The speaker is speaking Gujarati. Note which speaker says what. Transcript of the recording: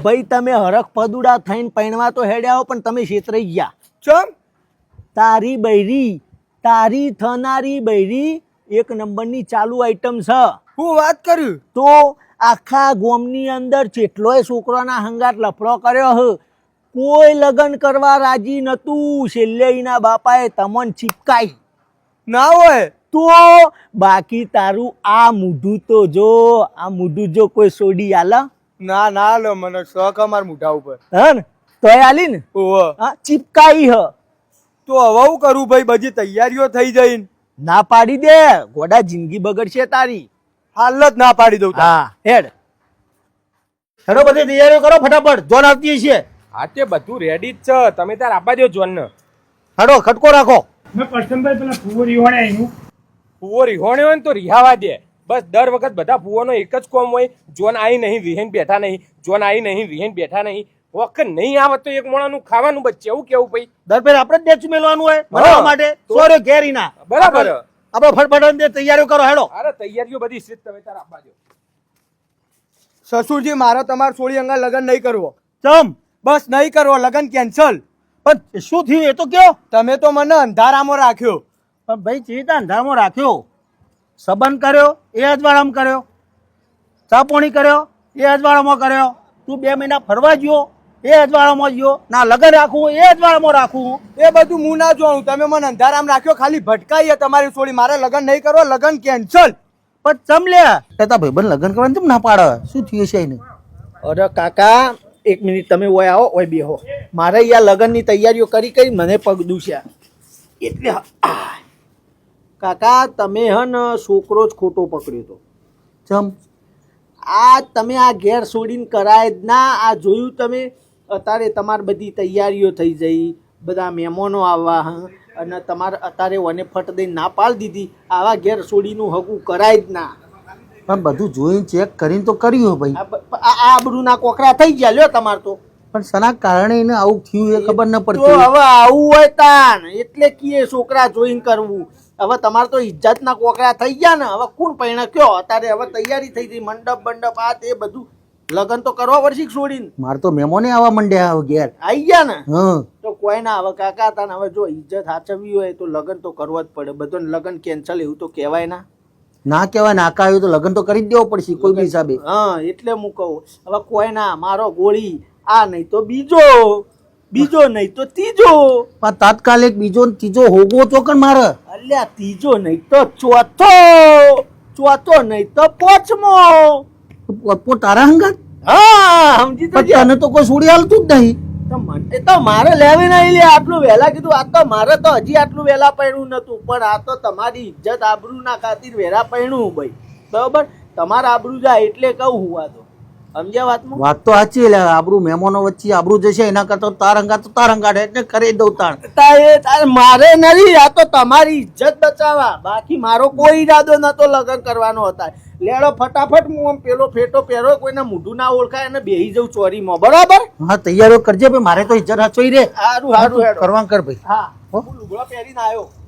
Speaker 1: ભાઈ તમે હરખ પદુડા થઈને પૈણવા તો હેડ્યા હો, પણ તમે છેતરાઈ ગયા.
Speaker 2: ચમ
Speaker 1: તારી બૈરી, તારી થનારી બૈરી એક નંબરની ચાલુ આઈટમ છે.
Speaker 2: હું વાત કર્યું
Speaker 1: તો આખા ગોમની અંદર જેટલોય છોકરાના હંગાત લફડો કર્યો હ, કોઈ લગ્ન કરવા રાજી નતું. છેલ્લે એના બાપાએ તમન ચીપકાઈ
Speaker 2: ના હોય
Speaker 1: તો બાકી તારું આ મૂઢું તો જો, આ મૂઢું જો કોઈ સોડી આલે
Speaker 2: ના ના લો મને શોખ અમાર મોઢા ઉપર
Speaker 1: હે ને તોય આલી ને.
Speaker 2: ઓહો
Speaker 1: હા ચીપકાઈ હ.
Speaker 2: તો હવે હું કરું ભાઈ? બધી તૈયારીઓ થઈ જઈ.
Speaker 1: ના પાડી દે, ગોડા જિંદગી બગડશે તારી.
Speaker 2: હાલ જ ના પાડી દઉં.
Speaker 1: હા હેડ હેડો, બધી તૈયારીઓ કરો ફટાફટ, જોન આવતી છે.
Speaker 3: હા તે બધું રેડી જ છે, તમે તાર આપવા દો જોન ને.
Speaker 1: હેડો ખટકો રાખો.
Speaker 4: મેં કરશનભાઈ પેલા ફુવો રીવાડે એનું
Speaker 3: ફુવો રિહોણે હોય ને તો રિહાવા દે. બસ દર વખત બધા ફુવાનો એક જ કોમ હોય, જોન આવી નહીં વિહેન બેઠા નહીં, જોન આવી નહીં વિહેન બેઠા નહીં. વખત નહીં આવે તો એક મોણાનું ખાવાનું બચે. એવું કેવું ભાઈ?
Speaker 1: દર ફેર આપણે જ ડેચું મેલવાનું હોય બનાવવા માટે. સોરે ઘેરી ના
Speaker 3: બરાબર.
Speaker 1: આપણે ફટફટ તૈયારીઓ કરો હેડો.
Speaker 3: અરે તૈયારીઓ બધી છે, તમે તાર આપવા દો.
Speaker 2: સસુરજી મારે તમાર સોળી અંગા લગ્ન નહીં કરવો.
Speaker 1: ચમ
Speaker 2: બસ નહીં કરવો, લગ્ન કેન્સલ.
Speaker 1: પણ શું થયું એ તો કયો.
Speaker 2: તમે તો મને અંધારામાં રાખ્યો.
Speaker 1: પણ ભાઈ ચીતા અંધારામાં રાખ્યો, સંબંધ કર્યો એ અજવાળામાં કર્યો, ચાપોણી કર્યો એ અજવાળામાં કર્યો, તું 2 મહિના ફરવા ગયો એ અજવાળામાં ગયો, ના લગન રાખવું એ અજવાળામાં રાખવું.
Speaker 2: એ બધું હું ના જોઉં. તમે મને અંધારામાં રાખ્યો, ખાલી ભટકાઈએ તમારી સોળી. મારે લગ્ન નહીં કરવો, લગ્ન કેન્સલ.
Speaker 1: પણ ચમ લે તારા ભાઈબંધ લગન કરવાનું ચમ ના પાડે? શું થયું છે એને? અરે કાકા એક મિનિટ તમે ઓય આવો, ઓય બેહો. મારે અહીંયા લગનની તૈયારીઓ કરી મને પગ દુખ્યા એટલે. કાકા તમે હન છોકરો જ ખોટો પકડ્યો તો. ચમ આ તમે આ ઘેર છોડીને કરાય જ ના. આ જોયું તમે અત્યારે તમારી બધી તૈયારીઓ થઈ જઈ, બધા મહેમાનો આવવા અને તમારે અત્યારે વને ફટ દઈને ના પાડી દીધી. આવા ઘેર છોડીનું હગું કરાય જ ના. પણ બધું જોઈને ચેક કરીને તો કર્યું ભાઈ. આ આબરૂના કોકરા થઈ ગયા લ્યો તમારે તો. પણ સના કારણે એને આવું થયું એ ખબર ન પડતી. હવે આવું હોય તાન એટલે કીએ છોકરા જોઈને કરવું. હવે તમારે તો ઇજ્જતના કોકરા થઈ ગયા ને. હવે કોણ પૈણા કયો? અત્યારે હવે તૈયારી થઈ ગઈ, મંડપ બંડપ આ તે બધું. લગન તો કરવા પડશે છોડીને. મારે તો મહેમાને આવા મંડ્યા ઘેર આવી ગયા ને. તો કોઈ ના હવે કાકા તાને હવે જો ઇજ્જત સાચવવી હોય તો લગન તો કરવા જ પડે. બધું લગન કેન્સલ એવું તો કહેવાય ના. ના કહેવાય, નાકા આવ્યું તો લગન તો કરી જ દેવો પડશે કોઈ બી હિસાબે. હા એટલે હું કહું હવે કોઈ ના મારો ગોળી આ નહીં તો બીજો, બીજો નહીં તો ત્રીજો. પણ તાત્કાલિક બીજો ત્રીજો હોગો તો કણ મારે. અલ્યા ત્રીજો નહીં તો ચોથો, ચોથો નહીં તો પાંચમો. તારા હંગાત? હા સમજી તો. તને તો કોઈ છોડી હાલતું જ નહીં. મને તો મારે લેવી નહીં લે. આટલું વહેલા કીધું. આ તો મારે તો હજી આટલું વહેલા પૈણું નતું, પણ આ તો તમારી ઇજ્જત આબરૂ ના ખાतिर વહેલા પૈણું ભાઈ. બરાબર તમારા આબરૂ જાય એટલે કહું હું. આ તો સમજ્યા વાતમાં? વાત તો સાચી. એટલે આબરૂ મહેમાનો વચ્ચે આબરૂ જશે એના કરતા તાર હંગાત એટલે કરી દઉં તાણ. મારે નથી, આ તો તમારી ઇજ્જત બચાવવા. બાકી મારો કોઈ ઈરાદો નતો લગ્ન કરવાનો હતા. લેડો ફટાફટ હું આમ પેલો ફેટો પહેરો, કોઈના મોઢું ના ઓળખાય અને બેહી જઉં ચોરીમાં. બરાબર? હા તૈયારીઓ કરજે ભાઈ, મારે તો ઇજ્જત હાચવી રે. સારું સારું કરવાનું કર ભાઈ. હા લુગડો પહેરીને આવ્યો.